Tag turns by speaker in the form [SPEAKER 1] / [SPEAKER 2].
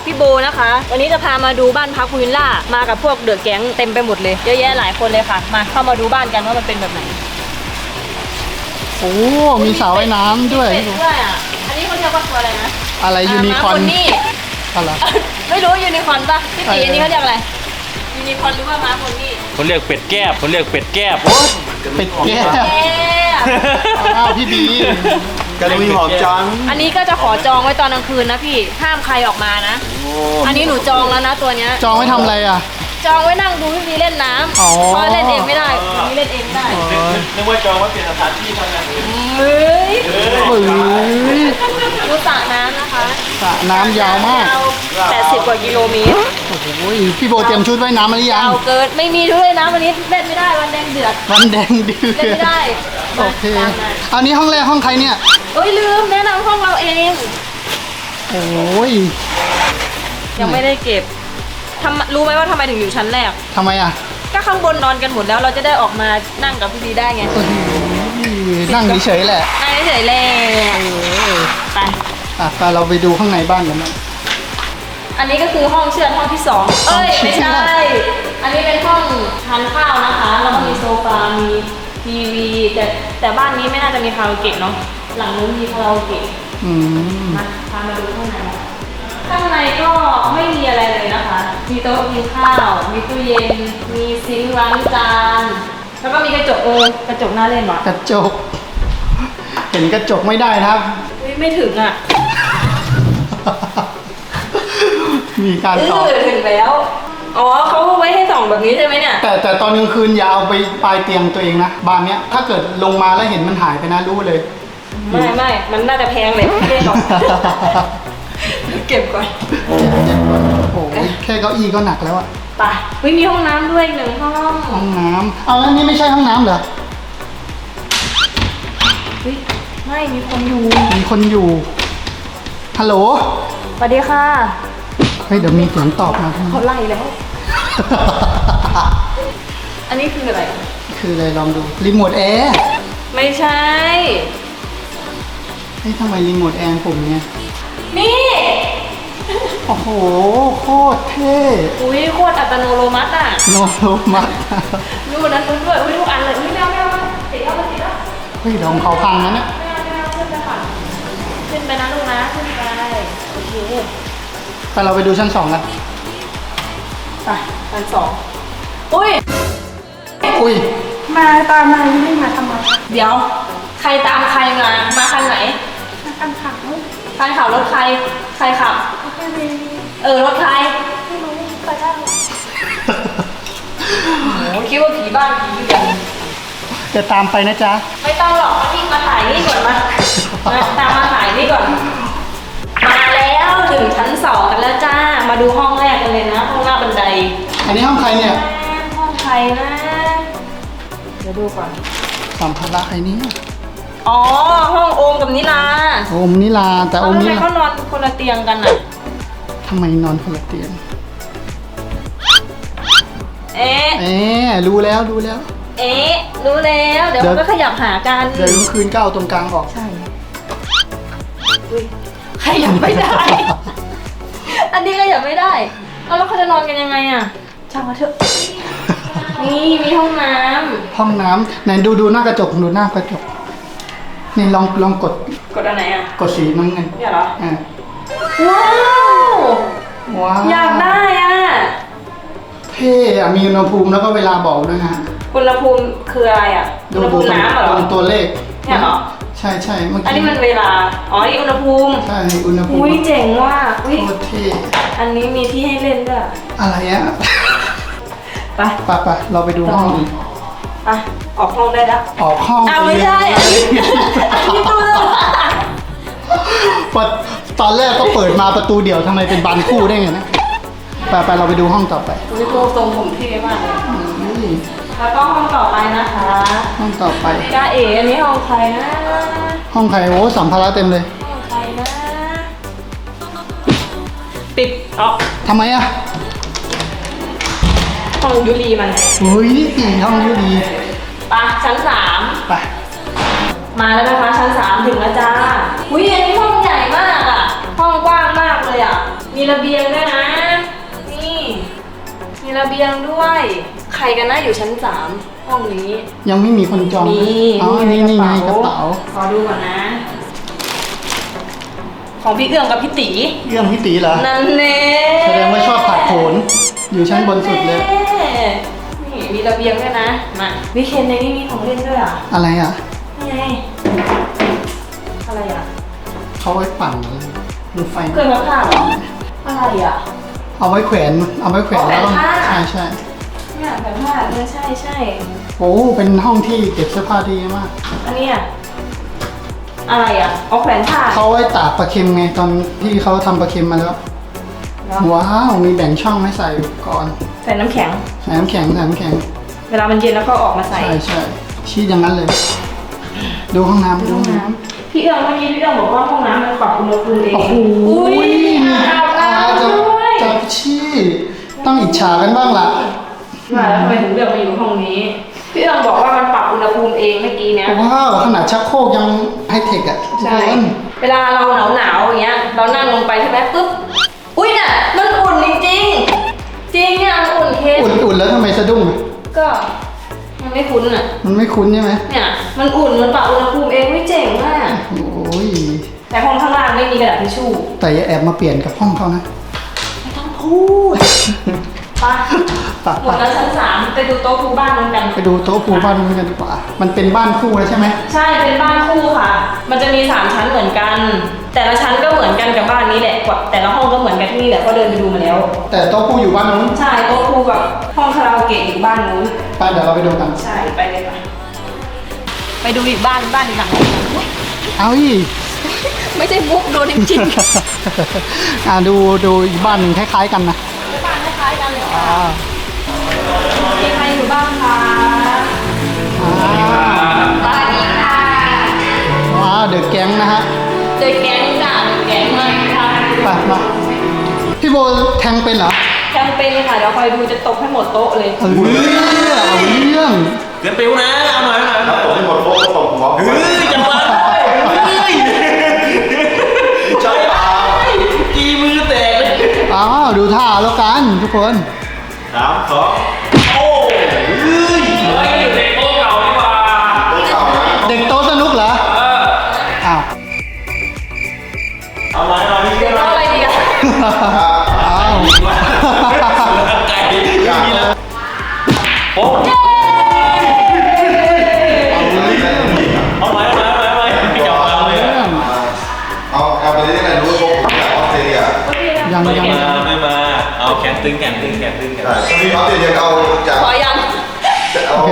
[SPEAKER 1] พี่โบนะคะวันนี้จะพามาดูบ้านพักพูลวิลล่ามากับพวกเดอะแก๊งเต็มไปหมดเลยเยอะแยะหลายคนเลยค่ะมาเข้ามาดูบ้านกันว่ามันเป็นแบบไหน
[SPEAKER 2] โอ้มีสระว่ายน้ำด้วย
[SPEAKER 1] เป็ดด้วยอ่ะอันนี้เขาเรียกว่าตัวอะไรนะ
[SPEAKER 2] อะไรยูนิคอร์น
[SPEAKER 1] นี่
[SPEAKER 2] อะไร
[SPEAKER 1] ไม่รู้ยูนิคอร์นป่ะพี่ตีอันนี้เขาเรียกอะไรยูนิคอร์นหรือว่าม้าคนนี่
[SPEAKER 3] คนเรียกเป็ดแก้บคนเรียกเป็ดแก้บโอ้
[SPEAKER 2] เป็ดแก้ว
[SPEAKER 1] แอบ
[SPEAKER 2] อ้าวพี่บี
[SPEAKER 4] กระดุยหอมจัง
[SPEAKER 1] อันนี้ก็จะขอจองไว้ตอนกลางคืนนะพี่ห้ามใครออกมานะอันนี้หนูจองแล้วนะตัวเนี้ย
[SPEAKER 2] จองไว้ทำอะไรอ่ะ
[SPEAKER 1] จองไว้นั่งดูพี่บีเล่นน้ำ
[SPEAKER 2] อ๋อ
[SPEAKER 1] เพราะเล่นเองไม่ได้พี่บีเล่นเองไม่ได้
[SPEAKER 3] นึกว่าจองว่าเปลี่ยนสถานที่ทำงานอื่น
[SPEAKER 1] เฮ้ย
[SPEAKER 2] เฮ้ย
[SPEAKER 1] ดูสระน้ำนะคะ
[SPEAKER 2] สระน้ำยาวมาก
[SPEAKER 1] 80 กว่ากิโลเมตร
[SPEAKER 2] โอ้โหพี่โบเตรียมชุดว่ายน้ำมาหรือยัง
[SPEAKER 1] ยาวเกินไม่มีด้วยนะวันนี้เล่นไม่ได้วันแดงเดือด
[SPEAKER 2] วันแดงเดือ
[SPEAKER 1] เล่นไม่ได้
[SPEAKER 2] โอเค
[SPEAKER 1] ตามมา
[SPEAKER 2] อันนี้ห้องแรกห้องใครเนี่ย
[SPEAKER 1] เอ้ยลืมแนะนำห้องเราเอง
[SPEAKER 2] โอ้ย
[SPEAKER 1] ยังไม่ได้เก็บรู้ไหมว่าทำไมถึงอยู่ชั้นแรก
[SPEAKER 2] ทำไมอ่ะ
[SPEAKER 1] ก็ข้างบนนอนกันหมดแล้วเราจะได้ออกมานั่งกับพี่บีได้ไง
[SPEAKER 2] โอ้โหนั่งเฉยๆแหละ
[SPEAKER 1] นั่งเฉยๆเลยไป
[SPEAKER 2] อ่ะไปเราไปดูข้างในบ้านกันนะ
[SPEAKER 1] อันนี้ก็คือห้องเชือดห้องที่สองเอ้ยไม่ใช่ อันนี้เป็นห้องทานข้าวนะคะแล้วก็มีโซฟา มีทีวีแต่บ้านนี้ไม่น่าจะมีคาราโอเกะเนาะหลังนู้นมีคาราโอเกะ
[SPEAKER 2] อืม
[SPEAKER 1] มาพามาดูข้างในข้างในก็ไม่มีอะไรเลยนะคะ มีโต๊ะกินข้าว มีตู้เย็น มีซิงค์ล้างจาน แล้วก็มีกระจกกระจกน่าเล่นว่ะ
[SPEAKER 2] กระจก เห็นกระจกไม่ได้นะครับ
[SPEAKER 1] อุ๊ยไม่ถึงอ่ะ
[SPEAKER 2] มีการตอบ
[SPEAKER 1] ถึงแล้ว อ๋อเขาไว้ให้ส่องแบบนี้ใช่ไหมเนี่ย
[SPEAKER 2] แต่ตอนกลางคืนอย่าเอาไปปลายเตียงตัวเองนะบ้านเนี้ยถ้าเกิดลงมาแล้วเห็นมันหายไปนะรู้เลย
[SPEAKER 1] ไม่มันน่าจะแพงเลยเก็บก่อนเก็บก่อน
[SPEAKER 2] โอ้โหแค่เก้าอี้ก็หนักแล้วอะ
[SPEAKER 1] ไปอุ๊ยมีห้องน้ำด้วยหนึ่งห้อง
[SPEAKER 2] ห้องน้ำเอาแล้วนี่ไม่ใช่ห้องน้ำเหรอ
[SPEAKER 1] อุ๊ยไม่มีคนอยู่
[SPEAKER 2] มีคนอยู่ ฮัลโหล
[SPEAKER 1] สวัสดีค่ะ
[SPEAKER 2] เฮ้ยเดี๋ยวมีเสียงตอบมา
[SPEAKER 1] เขาไล่แล้ว อันนี้คืออะไร
[SPEAKER 2] คืออะไรลองดู รีโมทแอร์
[SPEAKER 1] ไม่ใช่
[SPEAKER 2] เฮ้ยทำไมรีโมทแอร์ปุ่มเนี้ย
[SPEAKER 1] นี่
[SPEAKER 2] โอ้โห โคตรเท่
[SPEAKER 1] อุ้ยโคตรอัตโนมัติอ่ะ
[SPEAKER 2] โนโลมัส
[SPEAKER 1] ดูนั้นดูด้วยอุ้ยทุกอันเลยอุ้ยไม่เอาติดแล้วติดแล้ว
[SPEAKER 2] เฮ้ยเดี๋ยวของเขาพังนะเนี่ย
[SPEAKER 1] ไม่เอาขึ้นไปก่อนขึ้นไปนะลูกนะขึ้นไปโอเค
[SPEAKER 2] ไปเราไปดูชั้น2กัน
[SPEAKER 1] ไปชั้นสองอุ้ย
[SPEAKER 2] อุ้ย
[SPEAKER 5] มาตามมาไม่มาทำไม
[SPEAKER 1] เดี๋ยว ใครตามใครมาคันไหน
[SPEAKER 5] มาทำข่าว
[SPEAKER 1] คันขับรถใครขับ
[SPEAKER 5] ไม่มี
[SPEAKER 1] รถใคร
[SPEAKER 5] ไม่รู้ไปได้หรอ
[SPEAKER 1] โอ้คิดว่าผีบ้านผีเรือน
[SPEAKER 2] จะตามไปนะจ๊ะ
[SPEAKER 1] ไม่ต้องหรอกมาถ่ายนี่ก่อนมาตามมาถ่ายนี่ก่อน มาแล้วถึงชั้นสองกันแล้วจ้า มาดูห้องแรกกันเลยนะห้องหน้าบันได
[SPEAKER 2] อันนี้ห้องใครเนี่ย
[SPEAKER 1] ห้องใครนะ เดี๋ยวดูก่อน
[SPEAKER 2] สัมภาระใครเนี่ย
[SPEAKER 1] อ๋อ ห้องโอมกับนิลา
[SPEAKER 2] โอมนิลาแต่โอ
[SPEAKER 1] ทำ
[SPEAKER 2] ม
[SPEAKER 1] ไม
[SPEAKER 2] นิลา
[SPEAKER 1] เขานอนคนละเตียงกันอ่ะ
[SPEAKER 2] ทำไมนอนคนละเตียง
[SPEAKER 1] เอ๊ะ
[SPEAKER 2] เอ๊ะรู้แล้วรู้แล้ว
[SPEAKER 1] เอ๊ะ รู้แล้ว เดี๋ยว
[SPEAKER 2] เดี๋ยว
[SPEAKER 1] มันก็ขยับหากัน
[SPEAKER 2] เดี๋ยวกลางคืนก็เอาตรงกลางออก
[SPEAKER 1] ใช่อุ๊ยขยับไม่ได้ อันนี้ขยับไม่ได้เอาแล้วเขาจะนอนกันยังไงอ่ะช่างมาเถอะ นี่มีห้องน้
[SPEAKER 2] ห้องน้ำไหนดูหน้ากระจกดูหน้ากระจก นี่ลองกด
[SPEAKER 1] ำกดอันไหนอ่ะ
[SPEAKER 2] กดสีน้ำเงิน
[SPEAKER 1] เนี่ยเหรอ
[SPEAKER 2] อ่า
[SPEAKER 1] ว้าว
[SPEAKER 2] ว้าว
[SPEAKER 1] อยากได้อ่ะ
[SPEAKER 2] เท่อะมีอุณหภูมิแล้วก็เวลาบอกด้วยนะ
[SPEAKER 1] อุณหภูมิคืออะไรอ่ะ อุณหภูมิน้ำเหรอ
[SPEAKER 2] ตรงตัวเลข
[SPEAKER 1] เนี่ยเหรอ
[SPEAKER 2] ใช่ใช่เมื่อ
[SPEAKER 1] อัน
[SPEAKER 2] กี้
[SPEAKER 1] นี้มันเวลา อ๋อ นี่อุณหภูมิ
[SPEAKER 2] ใช่อุณหภูมิ
[SPEAKER 1] อุ้ยเจ๋งว่ะอุ้ย
[SPEAKER 2] โคตรเท่
[SPEAKER 1] อันนี้มีที่ให้เล่นด้วย
[SPEAKER 2] อะไรอะ
[SPEAKER 1] ไป
[SPEAKER 2] ไปเราไปดูห้องอื่น
[SPEAKER 1] ไป ออกห้องได้แล้ว
[SPEAKER 2] ออกห้อง
[SPEAKER 1] อ้าวไม่ใช่ อันนี้ตู้เสื้อผ้า
[SPEAKER 2] ตอนแรกก็เปิดมาประตูเดี่ยวทำไมเป็นบานคู่ได้ไงนะไปเราไปดูห้องต่อไป
[SPEAKER 1] อุ้ยตัวทรงผมเท่มากเลย
[SPEAKER 2] นี่
[SPEAKER 1] แล้วก็ห้องต่อไปนะคะ
[SPEAKER 2] ห้องต่อไป
[SPEAKER 1] จ้าเอ๋อันนี้ห้องใครนะ
[SPEAKER 2] ห้องใครโอ้สัมภาระเต็มเลย
[SPEAKER 1] ห้องใครนะ ปิดออก
[SPEAKER 2] ทำไมอะ
[SPEAKER 1] ห้องยุรีมัน
[SPEAKER 2] อุ้ยห้องยูดี
[SPEAKER 1] ไปชั้นสาม
[SPEAKER 2] ไป
[SPEAKER 1] มาแล้วนะคะชั้น3ถึงแล้วจ้าอุ้ยอันนี้ห้องใหญ่มากอ่ะ ห้องกว้างมากเลยอ่ะ มีระเบียงด้วยนะ นี่ มีระเบียงด้วย ใครกันนะอยู่ชั้น 3 ห้องนี้
[SPEAKER 2] ยังไม่มีคนจอง
[SPEAKER 1] มี
[SPEAKER 2] อ๋อนี่ไงกระเป๋า
[SPEAKER 1] ขอดูก่อนนะ ของพี่เอื้องกับพี่ตี
[SPEAKER 2] เรื่องพี่ตีเหรอ
[SPEAKER 1] นั่นแน่
[SPEAKER 2] แสดงว่าชอบผัดโผนอยู่ชั้นบนสุดเลย
[SPEAKER 1] นี่มีระเบียงด้วยนะ มาวิเคนในนี้มีของเล่นด้วยอ่ะ
[SPEAKER 2] อะไรอ่ะ
[SPEAKER 1] นี่ไง อะไรอ่ะ
[SPEAKER 2] เขาไว้ปั่นอะไรรถไฟ
[SPEAKER 1] เคยมาผ่าเหรอ อะไรอ่ะ
[SPEAKER 2] เอาไว้แขวนแล้วก็
[SPEAKER 1] เอาแขวนผ้า
[SPEAKER 2] ใช่
[SPEAKER 1] เนี่ยแบบผ้าใช่ใช่
[SPEAKER 2] โอ้เป็นห้องที่เก็บเสื้อผ้าดีมาก
[SPEAKER 1] อันเนี้ยอะไรอ่ะ เอาแขวนผ้า
[SPEAKER 2] เขาไว้ตากปลาเค็มไงตอนที่เขาทำปลาเค็มมาแล้ว
[SPEAKER 1] เนาะ
[SPEAKER 2] ว้าวมีแบ่งช่องให้ใส่ก่อน
[SPEAKER 1] ใส่น้ำแข็ง
[SPEAKER 2] ใส่น้ำแข็ง
[SPEAKER 1] เวลามันเย็นแล้วก็ออกมาใส่
[SPEAKER 2] ใช่ชี้อย่างนั้นเลย ดูห้องน้ำ
[SPEAKER 1] ห้องน้ำพี่เอื้องเมื่อกี้พี่เอื้องบอกว่าห้องน้ำมันปรับอุณหภูมิเอง
[SPEAKER 2] โอ้โห
[SPEAKER 1] อุ้ยอาบน้ำ
[SPEAKER 2] จะ
[SPEAKER 1] ด้วย
[SPEAKER 2] จะชี้ต้องอิจฉากันบ้างล่ะ
[SPEAKER 1] ว่าแล้วทำไมถึงเลือกมาอยู่ห้องนี้ พี่เอื้องบอกว่ามันปรับอุณหภูมิเองเมื่อกี้เนี้ย
[SPEAKER 2] ว้าวขนาดชักโครกยังไฮเทคอ่ะทุก
[SPEAKER 1] ใช่
[SPEAKER 2] คน
[SPEAKER 1] เวลาเราหนาวอย่างเงี้ย เรานั่งลงไปใช่ไหมปุ๊บ อุ้ยน่ะ มันอุ่นจริงๆ จริงเนี่ยมันอุ่นเคส
[SPEAKER 2] อุ่นแล้วทำไมสะดุ้งอะ
[SPEAKER 1] ก็มันไม่คุ้นอ่ะ
[SPEAKER 2] มันไม่คุ้นใช่ไหม
[SPEAKER 1] เนี่ย มันอุ่น มันปรับอุณหภูมิเองไม่เจ๋งมาก
[SPEAKER 2] โอ้ย
[SPEAKER 1] แต่ห้องข้างล่างไม่มีกระดาษทิชชู่
[SPEAKER 2] แต่อย่าแอบมาเปลี่ยนกับห้องเขานะ
[SPEAKER 1] ไม่ต้องพูดไป
[SPEAKER 2] ปะ
[SPEAKER 1] หมดแล้วชั้น 3 ไปดูโต๊ะครูบ้านนั้นกัน
[SPEAKER 2] ไปดูโต๊ะครูบ้านนู้นกันดีกว่า มันเป็นบ้านคู่แล้วใช่ไหม
[SPEAKER 1] ใช่ เป็นบ้านคู่ค่ะ มันจะมี 3 ชั้นเหมือนกัน แต่ละชั้นก็เหมือนกันกับบ้านนี้แหละกว่าแต่ละห้องก็เหมือนกันที่นี่แหละก็เดินไปดูมาแล้ว
[SPEAKER 2] แต่โต๊ะครูอยู่บ้านนู้น
[SPEAKER 1] ใช่โต๊ะครูกับห้องคาราโอเกะอยู่บ้านนู้น
[SPEAKER 2] ไปเดี๋ยวเราไปดูกัน
[SPEAKER 1] ใช่ ไปเลยค่ะไปดูอีกบ้านอีกหลังนึงอุ๊ย
[SPEAKER 2] เอาอีก
[SPEAKER 1] ไม่ใช่มุกโดนจริง
[SPEAKER 2] ดูอีกบ้านหนึ่งคล้ายๆกันนะ
[SPEAKER 1] ๆบ้านคล้ายๆกันเลยค่ะมีใครอยู่บ้างคะบ้านนี้ค่ะ
[SPEAKER 2] ว้าวเดอะแก๊งนะฮะ
[SPEAKER 1] เด็กแก๊งจ้ะเด็กแก๊งมากค่ะ
[SPEAKER 2] ไปมาพี่โบแทงเป็นเหรอ
[SPEAKER 1] แคมเปญค่ะเดี๋ยวคอยดูจะตบให้หมดโต๊ะเลย
[SPEAKER 2] เอาเรื่อง
[SPEAKER 3] เกินปิ้วนะเอาหน่อย
[SPEAKER 4] ถ้าตกให้หมดโต๊ะก็ตกหัว
[SPEAKER 3] เฮ้ยจังหวะเฮ้ย
[SPEAKER 4] ใช่เปล่า
[SPEAKER 3] กีมือแตกเลย
[SPEAKER 2] อ้าวดูท่าแล้วกันทุกคน
[SPEAKER 4] 3 2
[SPEAKER 3] โอ้เฮ้ยเฮ้ยเด็กโต๊ะเก่าดีกว่า
[SPEAKER 4] เก่านะ
[SPEAKER 2] เด็กโต๊ะสนุกเหรออ้าว
[SPEAKER 3] เอาหน่อยพี่เกิน
[SPEAKER 1] เอาอะไรดีอะ
[SPEAKER 2] อ้าว
[SPEAKER 3] ไก่มีแล้วโอ้เอาไหมไม่จับฟังเลย
[SPEAKER 4] เอาไปได้ยังไงรู้ว่าผมจากออสเตรเลีย
[SPEAKER 2] ยัง
[SPEAKER 3] ไม่
[SPEAKER 2] ยัง
[SPEAKER 3] มาเอาแขนตึง
[SPEAKER 4] ใช่ตอนนี้ออสเตรเลียเอาจาก
[SPEAKER 1] ขอยัง
[SPEAKER 4] เอา